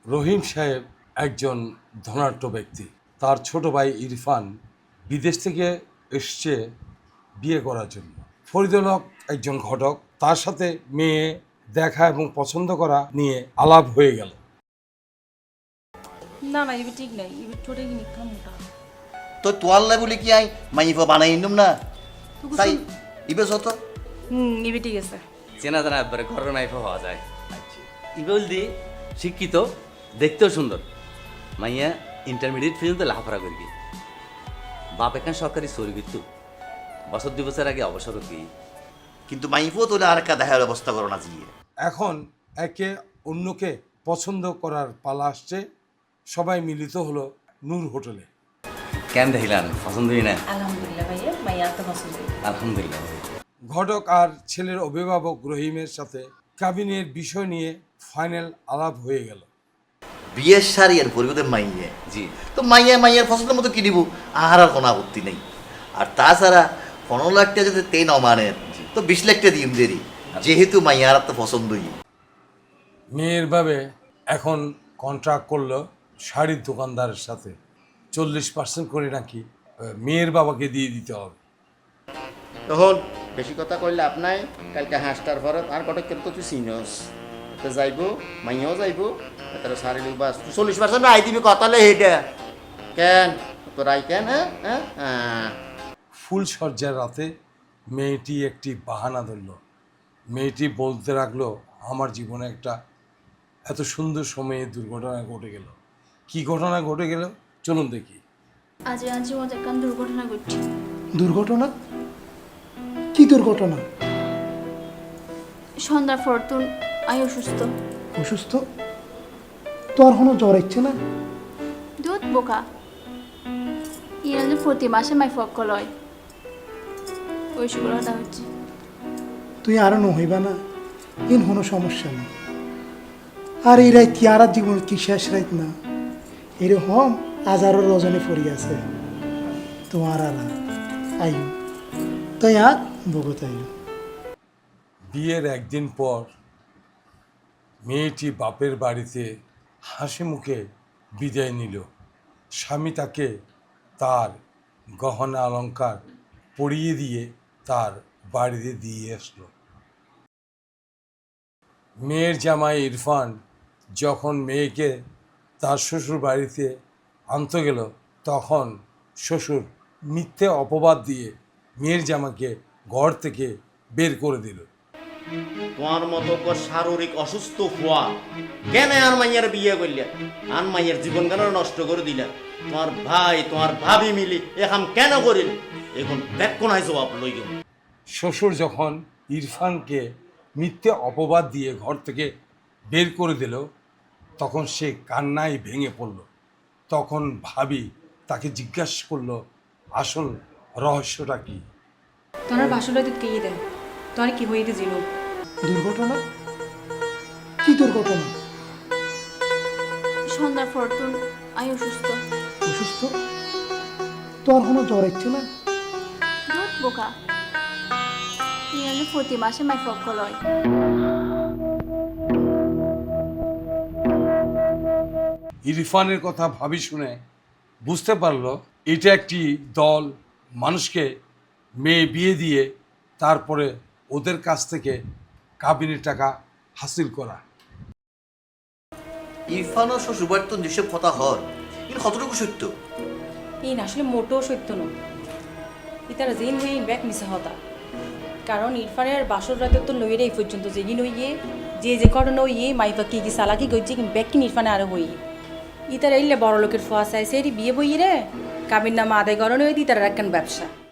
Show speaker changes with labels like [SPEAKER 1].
[SPEAKER 1] রহিম সাহেব একজন ধনাঢ্য ব্যক্তি। তার ছোট ভাই ইরফান বিদেশ থেকে এসছে বিয়ে করার জন্য। ফরিদুল হক একজন ঘটক, তার সাথে মেয়ে দেখা এবং পছন্দ করা নিয়ে আলাপ হয়ে গেল।
[SPEAKER 2] না না ইবি ঠিক নাই, ইবি ছোটে কিনি খামুটা
[SPEAKER 3] তো তোয়াল্লা বলি কি আই মাইফা বানাই নিম না তাই ইবে যত
[SPEAKER 2] ইবি ঠিক আছে।
[SPEAKER 4] চেনা জানা একবারে ঘরের মাইফা হওয়া যায়। ইবেল দি শিক্ষিত, দেখতেও সুন্দর, মাইয়া ইন্টারমিডিয়েট পর্যন্ত লাফারা করবি। বাপ এখান সরকারি চুরি কিন্তু বছর 2 বছর আগে অবসর কি,
[SPEAKER 3] কিন্তু মাইফও তোলে আর একটা দেখার ব্যবস্থা করো না জিয়ে।
[SPEAKER 1] এখন একে অন্যকে পছন্দ করার পালা আসছে। সবাই মিলিত হলো নূর হোটেলে।
[SPEAKER 4] কেন দেখিলাম পছন্দই না?
[SPEAKER 2] আলহামদুলিল্লাহ ভাইয়া, মাইয়া তো পছন্দ।
[SPEAKER 4] আলহামদুলিল্লাহ।
[SPEAKER 1] ঘটক আর ছেলের অভিভাবক রহিমের সাথে কাবিনের বিষয় নিয়ে ফাইনাল আলাপ হয়ে গেল।
[SPEAKER 3] বিয়ের শাড়ি আর পরিবর্তে মাইয়ে
[SPEAKER 4] জি,
[SPEAKER 3] তো মাইয়ার পছন্দের মতো কিনিব, আর আর কোনো আপত্তি নেই। আর তাছাড়া 15 লাখ টাকা যদি তে নমানের তো 20 লাখ টাকা দিম দেরি, যেহেতু মাইয়ার তো পছন্দই।
[SPEAKER 1] মেয়ের ভাবে এখন কন্ট্রাক্ট করলো শাড়ির দোকানদারের সাথে 40% করে নাকি মেয়ের বাবাকে দিয়ে দিতে হবে।
[SPEAKER 5] তখন বেশি কথা কইলে আপনাই কালকে হাঁসটার পরে আর কটক কিন্তু তুই চিনস তো যাইব, মাইয়াও যাইব, তার শারীরিক বাস 40% আই দিবি কথালে হেডে কেন তোর আই কেন? হ্যাঁ
[SPEAKER 1] ফুল সজ্জার রাতে মেয়েটি একটি বাহানা ধরল। মেয়েটি বলতে লাগলো, আমার জীবনে একটা এত সুন্দর সময়ে দুর্ঘটনা ঘটে গেল। কি ঘটনা ঘটে গেল চলুন দেখি।
[SPEAKER 6] আজ মজা কান দুর্ঘটনা ঘটছে।
[SPEAKER 7] দুর্ঘটনা? কি দুর্ঘটনা?
[SPEAKER 6] সন্ধ্যার ফরতুন আই অসুস্থ।
[SPEAKER 7] অসুস্থ? তোর কোনো জ্বর ইচ্ছে না?
[SPEAKER 6] দুধ বোকা ইরান প্রতি মাসে মাই ফক্ক লয়, ওই শুক্র কথা হচ্ছে।
[SPEAKER 7] তুই আরো নহইবা না, ইন কোনো সমস্যা নেই। আর এই রাত কি আর জীবন কি শেষ রাত না? এরকম হাজারো রজনী পড়ি আছে তোমার আর আইও তাই আর বগত আইও।
[SPEAKER 1] বিয়ের একদিন পর মেয়েটি বাপের বাড়িতে হাসি মুখে বিদায় নিল। স্বামী তাকে তার গহনা অলংকার পরিয়ে দিয়ে তার বাড়িতে দিয়ে আসলো। মেয়ের জামাই ইরফান যখন মেয়েকে তার শ্বশুর বাড়িতে আনতে গেল, তখন শ্বশুর মিথ্যে অপবাদ দিয়ে মেয়ের জামাকে ঘর থেকে বের করে দিল।
[SPEAKER 5] তোমার মতো শারীরিক অসুস্থ হওয়া কেন আর মাইয়ার বিয়ে করলে? আর মাইয়ের জীবন কেন নষ্ট করে দিলে? তোমার ভাই তোমার ভাবি মিলি এখন কেন করিল? এখন ব্যাক নাই জবাব লই গেল।
[SPEAKER 1] শ্বশুর যখন ইরফানকে মিথ্যে অপবাদ দিয়ে ঘর থেকে বের করে দিল, তখন সে কান্নায় ভেঙে পড়ল। তখন ভাবি তাকে জিজ্ঞাসা করলো, আসল রহস্যটা কি?
[SPEAKER 2] তোর বাসুলা দুধ কে দেন, তোর কি হইতে ছিল?
[SPEAKER 7] দুর্ঘটনা? কি দুর্ঘটনা?
[SPEAKER 6] সন্ধ্যার ফরতুন আই অসুস্থ।
[SPEAKER 7] অসুস্থ? তোর কোনো জ্বর ইচ্ছে না?
[SPEAKER 6] দুধ বোকা ইরান প্রতি মাসে মাই ফক্ক লয়।
[SPEAKER 1] ইরফানের কথা ভাবি শুনে বুঝতে পারলো এটা একটি দল মানুষকে মেয়ে বিয়ে দিয়ে তারপরে ওদের কাছ থেকে কাবিনের টাকা হাসিল করা।
[SPEAKER 3] ইরফান ও শ্বশুরবাড়ির তো যেসব কথা হর কিন্তু কতটুকু সত্য?
[SPEAKER 2] এই না আসলে মোটেও সত্য নয়। ইতারা যেন হয়ে ব্যাক মিশা হতা, কারণ ইরফানের বাসর রাতে তো লইরে এই পর্যন্ত যেগিন হইয়ে যে ঘটনা হইয়ে মাইফা কি সালাকি গইছে কিন্তু ব্যাক কিন ইরফানে আরো হইয়ে ইতারা এলে বড় লোকের ফোয়া চাই সেই বিয়ে বইয়ে রে কাবির নামা আদায় করণে হইতে ইতারা একখান ব্যবসা।